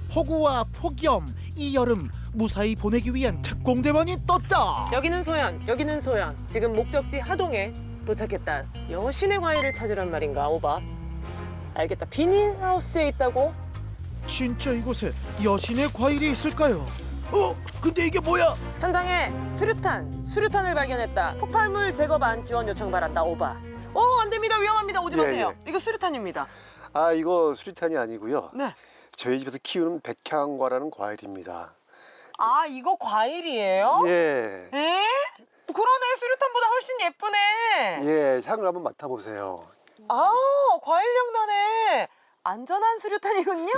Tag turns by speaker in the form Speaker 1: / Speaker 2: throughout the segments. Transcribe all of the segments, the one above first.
Speaker 1: 폭우와 폭염, 이 여름 무사히 보내기 위한 특공대원이 떴다.
Speaker 2: 여기는 소연, 여기는 소연. 지금 목적지 하동에 도착했다. 여신의 과일을 찾으란 말인가, 오바? 알겠다. 비닐하우스에 있다고?
Speaker 1: 진짜 이곳에 여신의 과일이 있을까요? 근데 이게 뭐야?
Speaker 2: 현장에 수류탄을 발견했다. 폭발물 제거반 지원 요청 받았다, 오바. 안 됩니다. 위험합니다. 오지 마세요. 이거 수류탄입니다.
Speaker 3: 아, 이거 수리탄이 아니고요.
Speaker 2: 네.
Speaker 3: 저희 집에서 키우는 백향과라는 과일입니다.
Speaker 2: 아, 이거 과일이에요?
Speaker 3: 예.
Speaker 2: 에? 그러네. 수류탄보다 훨씬 예쁘네.
Speaker 3: 예, 향을 한번 맡아보세요.
Speaker 2: 아, 과일향 나네. 안전한 수류탄이군요.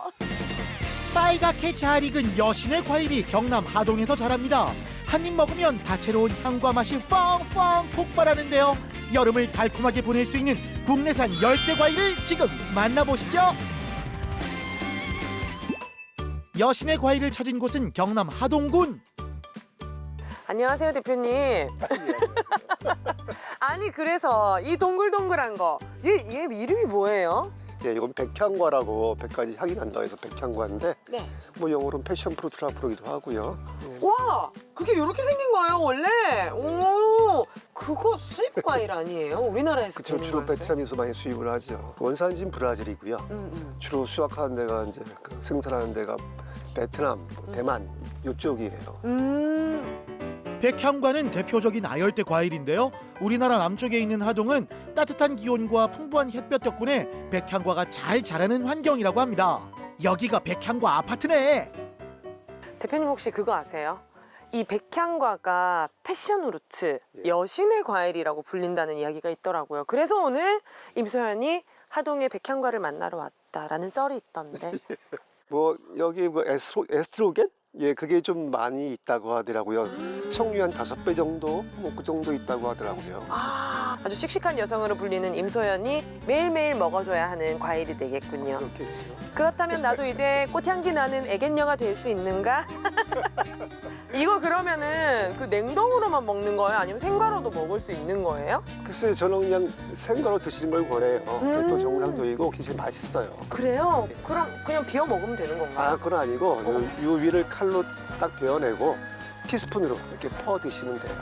Speaker 1: 빨갛게 잘 익은 여신의 과일이 경남 하동에서 자랍니다. 한 입 먹으면 다채로운 향과 맛이 펑펑 폭발하는데요. 여름을 달콤하게 보낼 수 있는 국내산 열대 과일을 지금 만나보시죠. 여신의 과일을 찾은 곳은 경남 하동군.
Speaker 2: 안녕하세요, 대표님. 아니, 그래서 이 동글동글한 거, 얘 이름이 뭐예요?
Speaker 3: 예, 이건 백향과라고 100가지 향이 난다 해서 백향과인데
Speaker 2: 네.
Speaker 3: 뭐 영어로는 패션 프루트라 부르기도 하고요. 예.
Speaker 2: 와, 그게 이렇게 생긴 거예요, 원래? 오, 그거 수입 과일 아니에요? 우리나라에서
Speaker 3: 그쵸,
Speaker 2: 기르는
Speaker 3: 주로
Speaker 2: 거였어요?
Speaker 3: 베트남에서 많이 수입을 하죠. 원산지는 브라질이고요. 주로 수확하는 데가 이제 그 생산하는 데가 베트남, 대만 이쪽이에요.
Speaker 1: 백향과는 대표적인 아열대 과일인데요. 우리나라 남쪽에 있는 하동은 따뜻한 기온과 풍부한 햇볕 덕분에 백향과가 잘 자라는 환경이라고 합니다. 여기가 백향과 아파트네.
Speaker 2: 대표님 혹시 그거 아세요? 이 백향과가 패션 후르츠, 여신의 과일이라고 불린다는 이야기가 있더라고요. 그래서 오늘 임소연이 하동에 백향과를 만나러 왔다라는 썰이 있던데.
Speaker 3: 뭐 여기 뭐 에스트로겐? 예, 그게 좀 많이 있다고 하더라고요. 성류 한 5배 정도, 뭐 그 정도 있다고 하더라고요.
Speaker 2: 아주 씩씩한 여성으로 불리는 임소연이 매일매일 먹어줘야 하는 과일이 되겠군요.
Speaker 3: 그렇겠죠.
Speaker 2: 그렇다면 나도 이제 꽃향기 나는 애견녀가 될 수 있는가? 이거 그러면은 그 냉동으로만 먹는 거예요? 아니면 생과로도 먹을 수 있는 거예요?
Speaker 3: 글쎄, 저는 그냥 생과로 드시는 걸 권해요. 그게 또 정상적이고 굉장히 맛있어요.
Speaker 2: 그래요? 그럼 그냥 비워 먹으면 되는 건가요?
Speaker 3: 아, 그건 아니고 요 위를 칼로 딱 베어내고 티스푼으로 이렇게 퍼 드시면 돼요.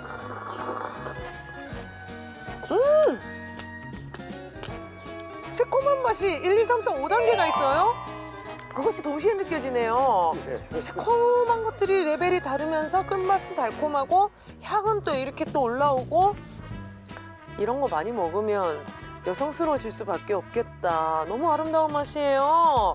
Speaker 2: 새콤한 맛이 1, 2, 3, 4, 5단계가 있어요? 그것이 동시에 느껴지네요.
Speaker 3: 네.
Speaker 2: 이 새콤한 것들이 레벨이 다르면서 끝맛은 달콤하고 향은 또 이렇게 또 올라오고 이런 거 많이 먹으면 여성스러워질 수밖에 없겠다. 너무 아름다운 맛이에요.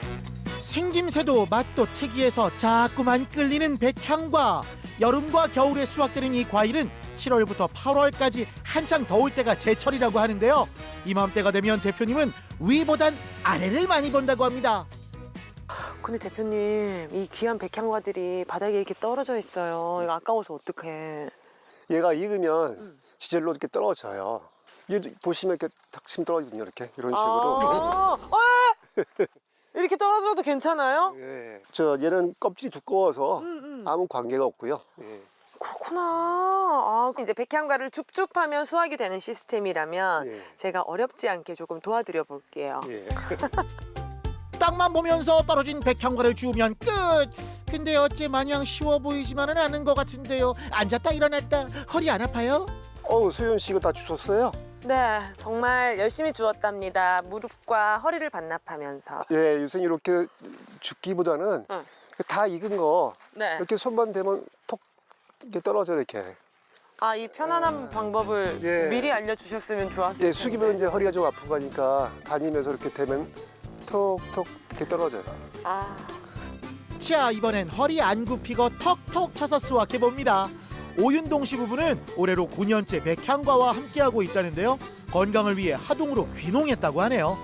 Speaker 1: 생김새도 맛도 특이해서 자꾸만 끌리는 백향과. 여름과 겨울에 수확되는 이 과일은 7월부터 8월까지 한창 더울 때가 제철이라고 하는데요. 이맘때가 되면 대표님은 위보단 아래를 많이 본다고 합니다.
Speaker 2: 근데 대표님, 이 귀한 백향과들이 바닥에 이렇게 떨어져 있어요. 이거 아까워서 어떡해.
Speaker 3: 얘가 익으면 지절로 이렇게 떨어져요. 얘도 보시면 이렇게 탁 치면 떨어지거든요. 이렇게 이런 식으로.
Speaker 2: 이렇게 떨어져도 괜찮아요?
Speaker 3: 예. 저 얘는 껍질이 두꺼워서 아무 관계가 없고요. 예.
Speaker 2: 그렇구나. 아, 이제 백향과를 줍줍하면 수확이 되는 시스템이라면
Speaker 3: 예.
Speaker 2: 제가 어렵지 않게 조금 도와드려 볼게요.
Speaker 3: 예.
Speaker 1: 땅만 보면서 떨어진 백향과를 주우면 끝. 근데 어째 마냥 쉬워 보이지만은 않은 것 같은데요. 앉았다 일어났다 허리 안 아파요?
Speaker 3: 소연 씨 이거 다 주셨어요?
Speaker 2: 네, 정말 열심히 주웠답니다. 무릎과 허리를 반납하면서.
Speaker 3: 예, 요새 이렇게 죽기보다는
Speaker 2: 응.
Speaker 3: 다 익은 거
Speaker 2: 네.
Speaker 3: 이렇게 손만 대면 톡 이렇게 떨어져 이렇게.
Speaker 2: 아, 이 편안한 방법을
Speaker 3: 예.
Speaker 2: 미리 알려주셨으면 좋았을 텐데.
Speaker 3: 예, 숙이면 이제 허리가 좀 아프고 하니까 다니면서 이렇게 대면 톡톡 이렇게 떨어져요.
Speaker 2: 아,
Speaker 1: 자, 이번엔 허리 안 굽히고 턱턱 차서 수확해 봅니다. 오윤동 씨 부부는 올해로 9년째 백향과와 함께하고 있다는데요. 건강을 위해 하동으로 귀농했다고 하네요.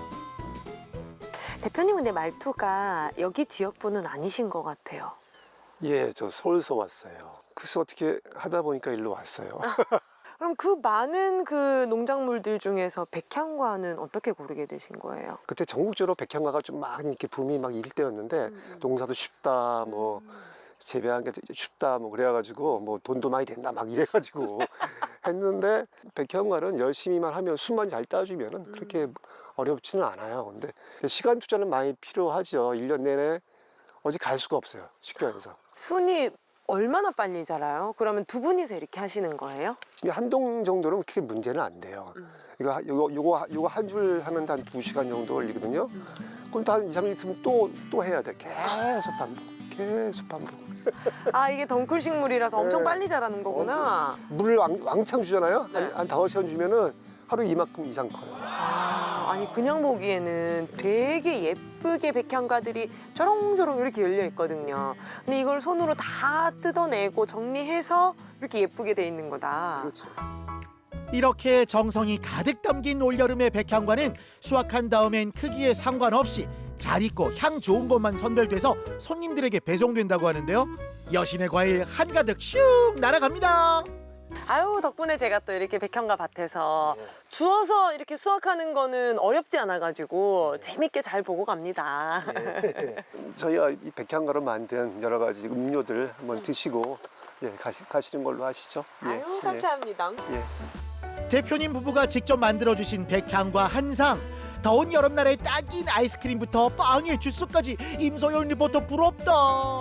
Speaker 2: 대표님 근데 말투가 여기 지역분은 아니신 것 같아요.
Speaker 3: 예, 저 서울서 왔어요. 그래서 어떻게 하다 보니까 일로 왔어요.
Speaker 2: 그럼 그 많은 그 농작물들 중에서 백향과는 어떻게 고르게 되신 거예요?
Speaker 3: 그때 전국적으로 백향과가 좀 막 이렇게 붐이 막 일 때였는데 농사도 쉽다, 뭐 재배하는 게 쉽다, 뭐 그래가지고 뭐 돈도 많이 된다 막 이래가지고 했는데 백향과는 열심히만 하면 숨만 잘 따주면 그렇게 어렵지는 않아요. 근데 시간 투자는 많이 필요하죠. 1년 내내 어디 갈 수가 없어요. 식교에서.
Speaker 2: 순이 얼마나 빨리 자라요? 그러면 두 분이서 이렇게 하시는 거예요?
Speaker 3: 진짜 한 동 정도는 크게 문제는 안 돼요. 요거 한 줄 하면 한 2시간 정도 걸리거든요. 그럼 또 한 2, 3일 있으면 또 해야 돼. 계속 반복.
Speaker 2: 아, 이게 덩쿨 식물이라서 엄청
Speaker 3: 네.
Speaker 2: 빨리 자라는 거구나.
Speaker 3: 물을 왕창 주잖아요.
Speaker 2: 네.
Speaker 3: 한 5시간 주면은 하루 이만큼 이상 커요.
Speaker 2: 아니 그냥 보기에는 되게 예쁘게 백향과들이 저렁저렁 이렇게 열려 있거든요. 근데 이걸 손으로 다 뜯어내고 정리해서 이렇게 예쁘게 돼 있는 거다.
Speaker 3: 그렇죠.
Speaker 1: 이렇게 정성이 가득 담긴 올여름의 백향과는 수확한 다음엔 크기에 상관없이 잘 익고 향 좋은 것만 선별돼서 손님들에게 배송된다고 하는데요. 여신의 과일 한가득 슉 날아갑니다.
Speaker 2: 아유, 덕분에 제가 또 이렇게 백향과 밭에서 주워서 이렇게 수확하는 거는 어렵지 않아가지고 재밌게 잘 보고 갑니다.
Speaker 3: 저희가 이 백향과로 만든 여러 가지 음료들 한번 드시고 가시는 걸로 하시죠.
Speaker 2: 아유, 감사합니다.
Speaker 1: 대표님 부부가 직접 만들어주신 백향과 한상, 더운 여름날에 딱인 아이스크림부터 빵에 주스까지 임소연 리포터 부럽다.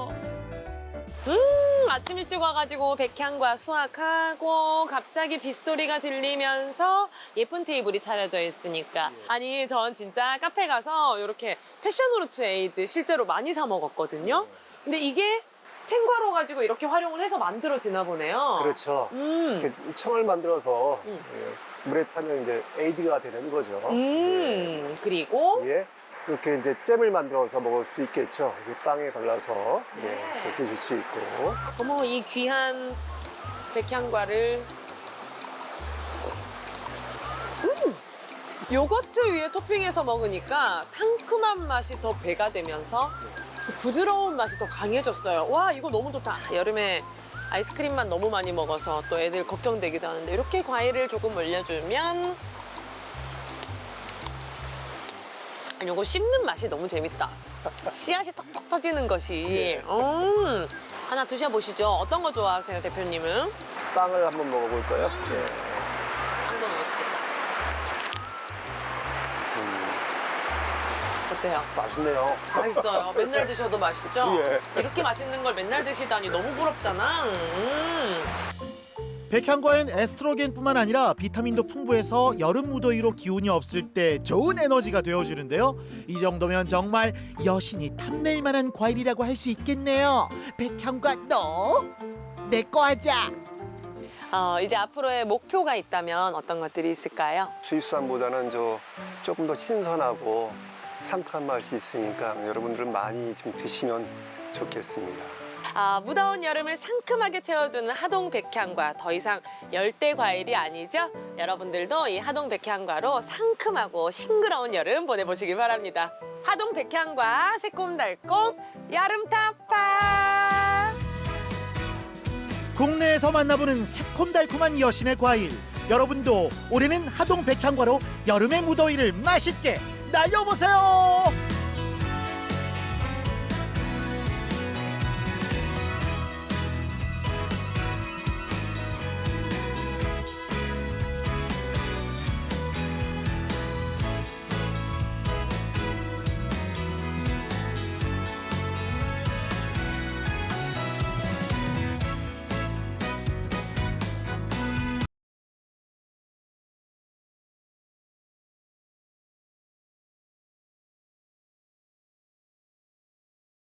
Speaker 2: 아침 일찍 와가지고 백향과 수확하고 갑자기 빗소리가 들리면서 예쁜 테이블이 차려져 있으니까 아니 전 진짜 카페 가서 이렇게 패션후르츠 에이드 실제로 많이 사 먹었거든요. 근데 이게 생과로 가지고 이렇게 활용을 해서 만들어지나 보네요.
Speaker 3: 그렇죠. 이렇게 청을 만들어서 물에 타면 이제 에이드가 되는 거죠.
Speaker 2: 그리고
Speaker 3: 이렇게 이제 잼을 만들어서 먹을 수 있겠죠. 이렇게 빵에 발라서 이렇게 드실 수 있고.
Speaker 2: 어머, 이 귀한 백향과를 요거트 위에 토핑해서 먹으니까 상큼한 맛이 더 배가 되면서 부드러운 맛이 더 강해졌어요. 와, 이거 너무 좋다. 여름에 아이스크림만 너무 많이 먹어서 또 애들 걱정되기도 하는데 이렇게 과일을 조금 올려주면 요거 씹는 맛이 너무 재밌다. 씨앗이 톡톡 터지는 것이. 하나 드셔보시죠. 어떤 거 좋아하세요, 대표님은?
Speaker 3: 빵을 한번 먹어볼까요?
Speaker 2: 빵도 넣어주겠다. 어때요?
Speaker 3: 맛있네요.
Speaker 2: 맛있어요. 맨날 드셔도 맛있죠?
Speaker 3: 예.
Speaker 2: 이렇게 맛있는 걸 맨날 드시다니 너무 부럽잖아.
Speaker 1: 백향과엔 에스트로겐뿐만 아니라 비타민도 풍부해서 여름 무더위로 기운이 없을 때 좋은 에너지가 되어주는데요. 이 정도면 정말 여신이 탐낼 만한 과일이라고 할 수 있겠네요. 백향과 너 내 거 하자.
Speaker 2: 이제 앞으로의 목표가 있다면 어떤 것들이 있을까요?
Speaker 3: 수입산보다는 조금 더 신선하고 상큼한 맛이 있으니까 여러분들은 많이 좀 드시면 좋겠습니다.
Speaker 2: 무더운 여름을 상큼하게 채워주는 하동 백향과 더 이상 열대 과일이 아니죠? 여러분들도 이 하동 백향과로 상큼하고 싱그러운 여름 보내보시길 바랍니다. 하동 백향과 새콤달콤 여름 타파!
Speaker 1: 국내에서 만나보는 새콤달콤한 여신의 과일. 여러분도 올해는 하동 백향과로 여름의 무더위를 맛있게 날려보세요.